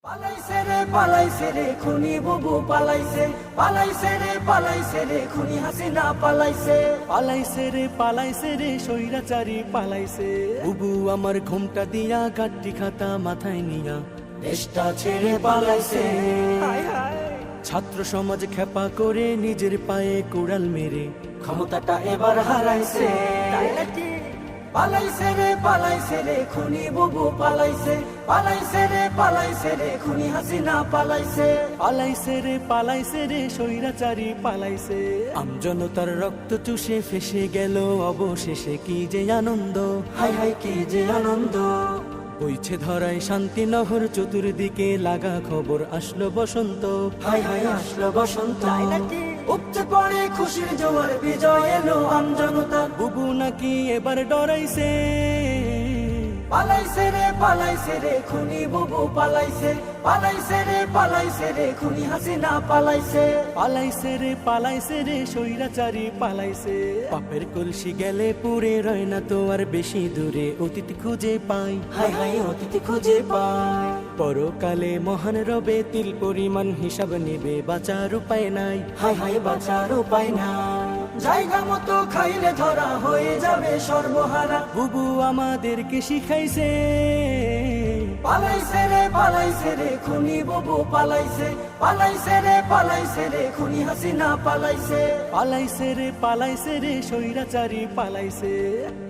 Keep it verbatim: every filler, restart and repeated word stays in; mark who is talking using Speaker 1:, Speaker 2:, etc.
Speaker 1: পালাইছে রে পালাইছে রে খুনি বুবু পালাইছে, পালাইছে রে পালাইছে রে খুনি হাসিনা পালাইছে,
Speaker 2: পালাইছে রে পালাইছে রে স্বৈরাচারী পালাইছে। বুবু আমার ঘোমটা দিয়া গাড্ডি খাতা মাথায় নিয়া
Speaker 1: দেশটা ছেড়ে পালাইছে।
Speaker 2: ছাত্র সমাজ খেপা করে নিজের পায়ে কুড়াল মেরে
Speaker 1: ক্ষমতাটা এবার হারাইছে। পালাইছে রে পালাইছে রে খুনি বুবু পালাইছে, পালাইছে রে পালাইছে রে খুনি হাসিনা পালাইছে,
Speaker 2: পালাইছে রে পালাইছে রে স্বৈরাচারী পালাইছে। আমজনতার রক্ত চুষে ফেসে গেল অবশেষে কি যে আনন্দ,
Speaker 1: হাই হাই কি যে আনন্দ।
Speaker 2: বইছে ধরায় শান্তি নহর চতুর্দিকে লাগা খবর আসলো বসন্ত,
Speaker 1: হাই হাই আসলো বসন্ত। উপচে পড়ে খুশির জোয়ার বিজয় এলো আমজনতা।
Speaker 2: বুবু নাকি এবার ডরাইছে।
Speaker 1: পালাইছে রে পালাইছে রে খুনি বুবু পালাইছে, পালাইছে রে পালাইছে রে খুনি হাসিনা পালাইছে,
Speaker 2: পালাইছে রে পালাইছে রে স্বৈরাচারী পালাইছে। পাপের কলসি গেলে পুরে রয় না তো আর বেশি দূরে অতীত খুঁজে পাই,
Speaker 1: হাই হাই অতিথি খুঁজে পাই।
Speaker 2: পরকালে মহান রবে তিল পরিমাণ হিসাব নেবে, বাঁচার উপায় নাই,
Speaker 1: হাই হাই বাঁচার উপায় না। জায়গা মতো খাইলে ধরা হয়ে যাবে সর্বহারা।
Speaker 2: বুবু আমাদেরকে শিখাইছে।
Speaker 1: পালাইছে রে পালাইছে রে খুনি বুবু পালাইছে, পালাইছে রে পালাইছে রে খুনি হাসিনা পালাইছে,
Speaker 2: পালাইছে রে পালাইছে রে স্বৈরাচারী পালাইছে।